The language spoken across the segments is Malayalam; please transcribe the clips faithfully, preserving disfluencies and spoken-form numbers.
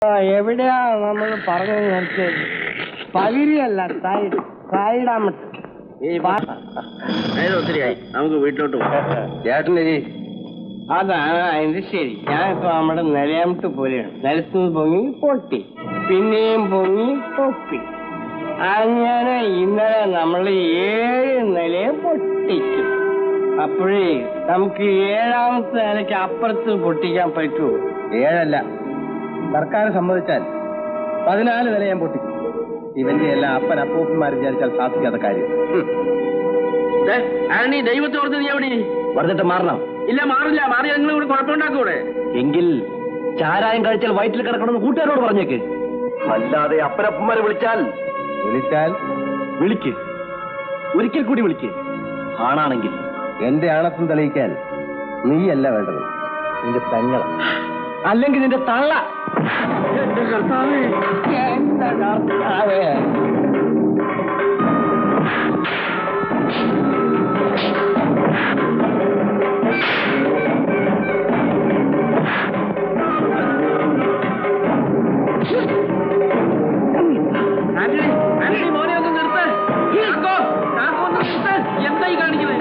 എവിടെയാ നമ്മൾ പറഞ്ഞു നിർത്തിയത്? പകിരിയല്ല, സൈഡ് സൈഡാമട്ട്. ഒത്തിരിയായി, നമുക്ക് വീട്ടിലോട്ട് പോകാം. ചേട്ടനരി അതാണ് അതിന്റെ ശരി. ഞാനിപ്പോ നമ്മുടെ നിലയാമട്ട് പോലെയാണ്. നിലത്തുനിന്ന് പൊങ്ങി പൊട്ടി, പിന്നെയും പൊങ്ങി പൊട്ടി. അങ്ങനെ ഇന്നലെ നമ്മൾ ഏഴ് നിലയെ പൊട്ടിച്ചു. അപ്പോഴേ നമുക്ക് ഏഴാമത്തെ നിലയ്ക്ക് അപ്പുറത്ത് പൊട്ടിക്കാൻ പറ്റുമോ? ഏഴല്ല, സർക്കാർ സമ്മതിച്ചാൽ പതിനാല് നില ഞാൻ പൊട്ടിക്കും. ഇവന്റെ എല്ലാം അപ്പൻ അപ്പൂപ്പന്മാർ വിചാരിച്ചാൽ സാധിക്കാത്ത കാര്യം. ദൈവത്തോർത്ത് നീ എവിടെ പറഞ്ഞിട്ട് മാറണം? ഇല്ല, മാറില്ല. മാറി നിങ്ങൾ ഇവിടെ കുഴപ്പമുണ്ടാക്കൂടെ? എങ്കിൽ ചാരായം കഴിച്ചാൽ വയറ്റിൽ കിടക്കണമെന്ന് കൂട്ടുകാരോട് പറഞ്ഞേക്ക്. അല്ലാതെ അപ്പനപ്പന്മാരെ വിളിച്ചാൽ വിളിച്ചാൽ വിളിക്ക്, ഒരിക്കൽ കൂടി വിളിക്ക്. ആണാണെങ്കിൽ എന്റെ ആണത്വം തെളിയിക്കാൻ നീയല്ല വേണ്ടത്, നിന്റെ പെങ്ങള, അല്ലെങ്കിൽ നിന്റെ തള്ള. എന്റെ കർത്താവേ, എന്റെ കർത്താവേ. മോനെ ഒന്ന് നിർത്ത്. ഒന്ന് നിർത്ത്. എന്തായി കാണിക്കുന്നത്?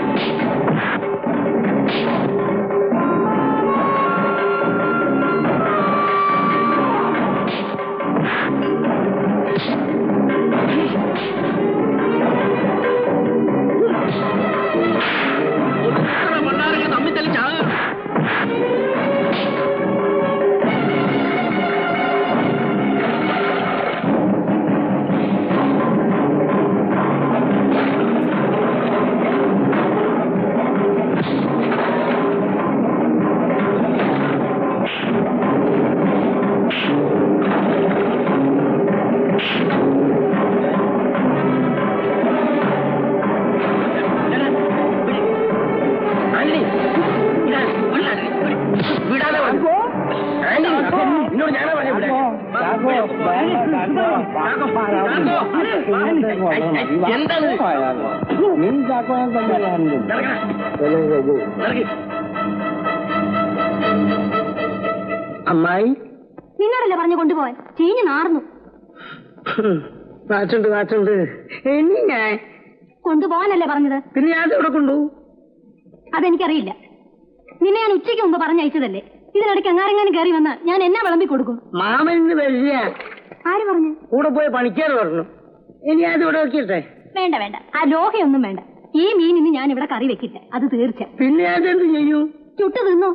അമ്മായി, നിന്നോടല്ലേ പറഞ്ഞു കൊണ്ടുപോവാൻ? ചീഞ്ഞു നാർന്നു. നാച്ചുണ്ട് നാച്ചുണ്ട്. ഇനി ഞാൻ കൊണ്ടുപോവാനല്ലേ പറഞ്ഞത്? പിന്നെ ഞാൻ ഇവിടെ കൊണ്ടുപോകും. അതെനിക്കറിയില്ല. നിന്നെ ഞാൻ ഉച്ചയ്ക്ക് മുമ്പ് പറഞ്ഞയച്ചതല്ലേ. ഇതിനിടയ്ക്ക് അങ്ങാരെങ്ങാനും കയറി വന്നാൽ ഞാൻ എന്നാ വിളമ്പി കൊടുക്കും? മാമന് വരില്ല. ആര് പറഞ്ഞു? കൂടെ പോയി പണിക്കാർ പറഞ്ഞു. ഇനി അത് ഇവിടെ വെക്കിട്ടെ? വേണ്ട വേണ്ട, ആ ലോഹയൊന്നും വേണ്ട. ഈ മീൻ ഇന്ന് ഞാൻ ഇവിടെ കറി വെക്കില്ല, അത് തീർച്ച. പിന്നെ അതെന്ത് ചെയ്യൂ? ചുട്ടു തിന്നോ?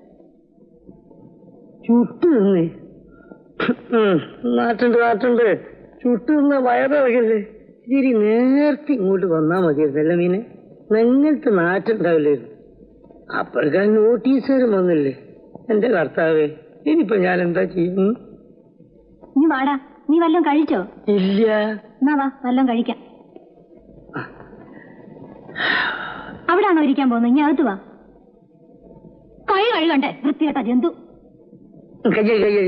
ചുട്ടു തിന്നേ? നാട്ടുണ്ട് നാട്ടുണ്ട്. ചുട്ടു തിന്ന വയറിറങ്ങല്ലേ. ഇത്തിരി നേരത്തെ ഇങ്ങോട്ട് വന്നാ മതിയായിരുന്നല്ല മീനെ. നിങ്ങൾക്ക് നാട്ടുണ്ടാവില്ലായിരുന്നു. അപ്പോഴേക്കാ നോട്ടീസുകാരും വന്നില്ലേ. എന്റെ കർത്താവേ, ഇനിയിപ്പോ ഞാൻ എന്താ ചെയ്യും? നീ വാടാ. നീ വല്ലതും കഴിച്ചോ? ഇല്ല. എന്നാ വാ, വല്ലതും കഴിക്കാം. അവിടാണോ ഇരിക്കാൻ പോകുന്നത്? ഇനി അകത്ത് വാ. കൈ കഴുകണ്ടേ വൃത്തികെട്ട ജന്തു. കയ്യ കയ്യ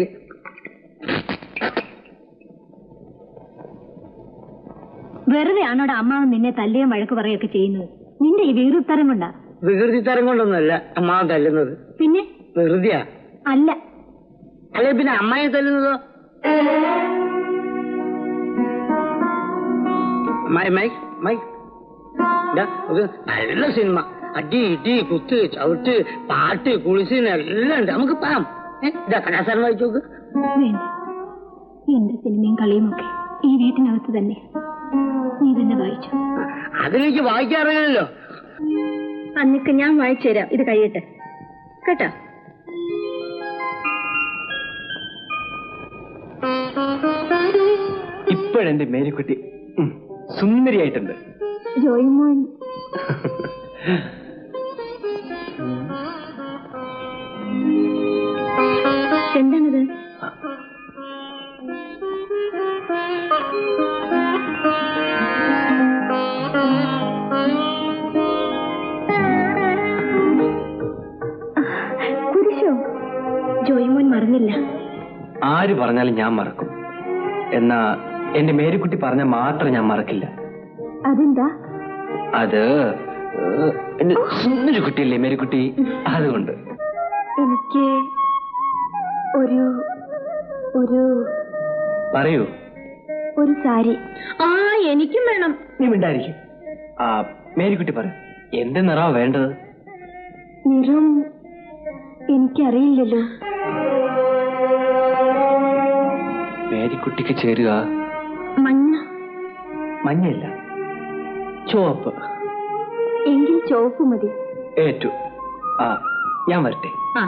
വെറുതെ ആണോടെ അമ്മാവൻ നിന്നെ തല്ലുകയും വഴക്ക് പറയുകയൊക്കെ ചെയ്യുന്നത്? നിന്റെ ഈ വികൃതിത്തരം കൊണ്ടാ. വികൃതിത്തരം കൊണ്ടൊന്നുമല്ല അമ്മാവൻ തല്ലുന്നത്. പിന്നെ വെറുതെയാ? അല്ല. അല്ലെ പിന്നെ അമ്മായി തല്ലുന്നതോ? നല്ല സിനിമ. അടി ഇടി കുത്ത് ചവിട്ട് പാട്ട് കുളിസിന് എല്ലാം ഉണ്ട്. നമുക്ക് പാം. ഇതാ കലാസാരം വായിച്ചു നോക്ക്. വേണ്ട, എന്റെ സിനിമയും കളിയും ഒക്കെ ഈ വീട്ടിനകത്ത് തന്നെ. നീ തന്നെ വായിച്ചു. അതിലേക്ക് വായിക്കാറില്ലല്ലോ. അന്നിക്ക് ഞാൻ വായിച്ചു തരാം. ഇത് കഴിയട്ടെ കേട്ടോ. ഇപ്പോഴെന്റെ മേരിക്കുട്ടി സുന്ദരിയായിട്ടുണ്ട്. ജോയിമോൻ എന്താണിത്? കുരിശോ? ജോയിമോൻ മറന്നില്ല. ആര് പറഞ്ഞാലും ഞാൻ മറക്കും. എന്നാ എന്റെ മേരിക്കുട്ടി പറഞ്ഞാൽ മാത്രം ഞാൻ മറക്കില്ല. അതെന്താ? അത് എന്റെ സുന്ദരി കുട്ടിയല്ലേ മേരിക്കുട്ടി, അതുകൊണ്ട്. എനിക്ക് ഒരു ഒരു പറയൂ. ഒരു സാരി. ആ എനിക്കും വേണം. നീ മിണ്ടായിരിക്കും. ആ മേരിക്കുട്ടി പറ, എന്ത് നിറമാ വേണ്ടത്? നിറം എനിക്കറിയില്ലല്ലോ. മേരിക്കുട്ടിക്ക് ചേരുക മഞ്ഞ. മഞ്ഞയില്ല, ചുവപ്പ്. എങ്കിൽ ചുവപ്പ് മതി. ഏറ്റു. ആ ഞാൻ വരട്ടെ. ആ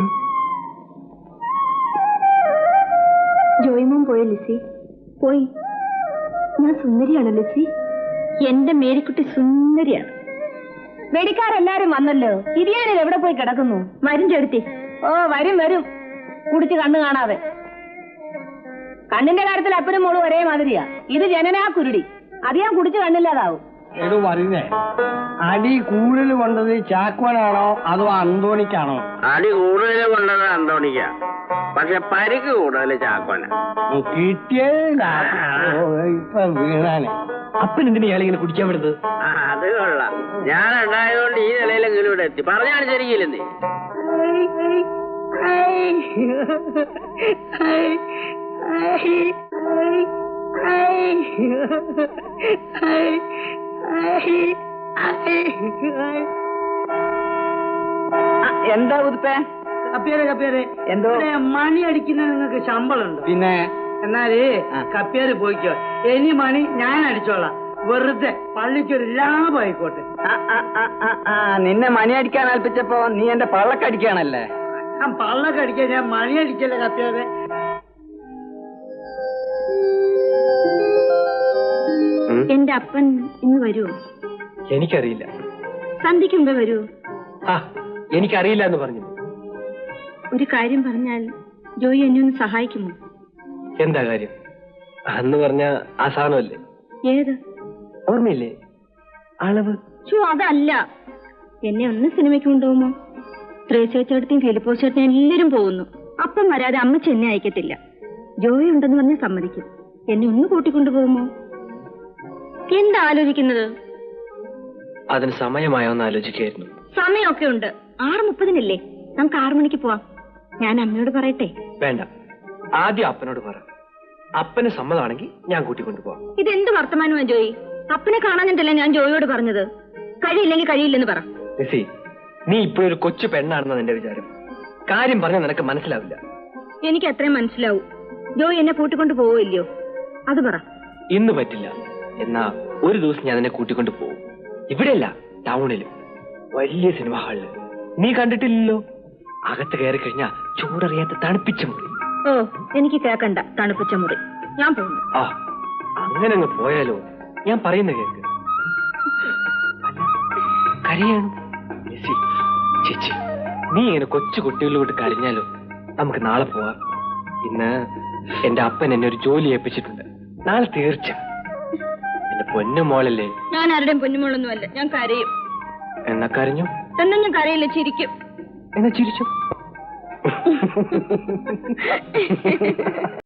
ജോയിമോൻ പോയോ ലിസി? പോയി. ഞാൻ സുന്ദരിയാണ് ലിസി. എന്റെ മേരിക്കുട്ടി സുന്ദരിയാണ്. വെടിക്കാരെല്ലാരും വന്നല്ലോ. ഇരിയാനിൽ എവിടെ പോയി കിടക്കുന്നു? വരും ചെടുത്തി. ഓ വരും വരും, കുടിച്ച് കണ്ണു കാണാതെ. കണ്ണിന്റെ കാര്യത്തിൽ അപ്പനും മോളും ഒരേ മാതിരിയാ. ഇത് ജനനാ കുരുടി. അത് ഞാൻ കുടിച്ച് കണ്ണില്ലാതാവും. എടോ പറയുന്നേ, അടി കൂടുതൽ കൊണ്ടത് ചാക്കോനാണോ അതോ അന്തോണിക്കാണോ? അടി കൂടുതൽ കൊണ്ടത് അന്തോണിക്ക, പക്ഷെ പരിക്ക് കൂടുതൽ ചാക്കോന. കിട്ടിയതില്ല ഇപ്പൊ വീണാനെ. അപ്പൻ എന്തിനാ ഇയാളിങ്ങനെ കുടിക്കാൻ വിടുന്നത്? ആ അത് കൊള്ളാം. ഞാൻ ഉണ്ടായതുകൊണ്ട് ഈ നിലയിലെങ്കിലും ഇവിടെ എത്തി. പറഞ്ഞാണ് ശരിക്കില്ലെന്നേ. എന്താ ഉതുപ്പേ? കപ്പിയാരെ കപ്പിയാരെ എന്തോ മണി അടിക്കുന്ന നിങ്ങൾക്ക് ശമ്പളം ഉണ്ട്. പിന്നെ എന്നാല് കപ്പിയാര് പോയിക്കോ. ഇനി മണി ഞാൻ അടിച്ചോളാം. വെറുതെ പള്ളിക്കൊരു ലാഭമായിക്കോട്ടെ. നിന്നെ മണി അടിക്കാൻ ഏൽപ്പിച്ചപ്പോ നീ എന്റെ പള്ളക്കടിക്കാണല്ലേ? ഞാൻ പള്ളക്കടിക്കാൻ, ഞാൻ മണി അടിക്കല്ലേ കപ്പിയാരെ. എന്റെ അപ്പൻ ഇന്ന് വരുമോ? എനിക്കറിയില്ല. സന്ധ്യക്ക് മുമ്പേ വരുമോ? ആ എനിക്കറിയില്ല എന്ന് പറഞ്ഞു. ഒരു കാര്യം പറഞ്ഞാൽ ജോയി എന്നെ ഒന്ന് സഹായിക്കുമോ? എന്താ കാര്യം? അന്ന് പറഞ്ഞ ആ സാധനമല്ലേ? ഏത്? ഓർമ്മയില്ലേ? അളവ്. ചോ അതല്ല. എന്നെ ഒന്ന് സിനിമയ്ക്ക് കൊണ്ടുപോകുമോ? ത്രേസ്യച്ചേട്ടത്തെയും ഫിലിപ്പോ ചേട്ടനും എല്ലാരും പോകുന്നു. അപ്പം വരാതെ അമ്മച്ചി എന്നെ അയക്കത്തില്ല. ജോയി ഉണ്ടെന്ന് പറഞ്ഞ് സമ്മതിക്കും. എന്നെ ഒന്ന് കൂട്ടിക്കൊണ്ടുപോകുമോ? എന്താ ആലോചിക്കുന്നത്? അതിന് സമയമായോന്ന് ആലോചിക്കായിരുന്നു. സമയമൊക്കെ ഉണ്ട്. ആറ് മുപ്പതിനല്ലേ? നമുക്ക് ആറു മണിക്ക് പോവാം. ഞാൻ അമ്മയോട് പറയട്ടെ? വേണ്ട, ആദ്യം അപ്പനോട് പറ. അപ്പന് സമ്മതമാണെങ്കിൽ ഞാൻ കൂട്ടിക്കൊണ്ടുപോവാം. ഇതെന്ത് വർത്തമാനമാണ് ജോയി? അപ്പനെ കാണാനിട്ടല്ലേ ഞാൻ ജോയിയോട് പറഞ്ഞത്. കഴിയില്ലെങ്കിൽ കഴിയില്ലെന്ന് പറ. ലിസി, നീ ഇപ്പോഴൊരു കൊച്ചു പെണ്ണാണെന്ന് എന്റെ വിചാരം. കാര്യം പറഞ്ഞാൽ നിനക്ക് മനസ്സിലാവില്ല. എനിക്ക് അത്രയും മനസ്സിലാവും. ജോയി എന്നെ കൂട്ടിക്കൊണ്ട് പോവില്ലയോ? അത് പറ. ഇന്ന് പറ്റില്ല. എന്നാ ഒരു ദിവസം ഞാൻ നിന്നെ കൂട്ടിക്കൊണ്ട് പോകും. ഇവിടെയല്ല, ടൗണില് വലിയ സിനിമ ഹാളില്. നീ കണ്ടിട്ടില്ലല്ലോ? അകത്ത് കയറി കഴിഞ്ഞാ ചൂടറിയാത്ത തണുപ്പിച്ച മുറി. ഓ എനിക്ക് കേക്കണ്ട തണുപ്പിച്ച മുറി. ഞാൻ പോകുന്നു. ആ അങ്ങനെ അങ്ങ് പോയാലോ? ഞാൻ പറയുന്ന കേക്ക്. കരയാണ് ലിസി. ചേച്ചി, നീ ഇങ്ങനെ കൊച്ചു കുട്ടികളിലോട്ട് കരഞ്ഞാലോ? നമുക്ക് നാളെ പോവാം. ഇന്ന് എന്റെ അപ്പൻ എന്നെ ഒരു ജോലി ഏൽപ്പിച്ചിട്ടുണ്ട്. നാളെ തീർച്ച. എന്റെ പൊന്നുമോളല്ലേ? ഞാൻ ആരുടെയും പൊന്നുമോളൊന്നുമല്ല. ഞാൻ കരയും. എന്നാ കരഞ്ഞു? എന്നാ ഞാൻ കരയില്ല, ചിരിക്കും. എന്നാ ചിരിച്ചു.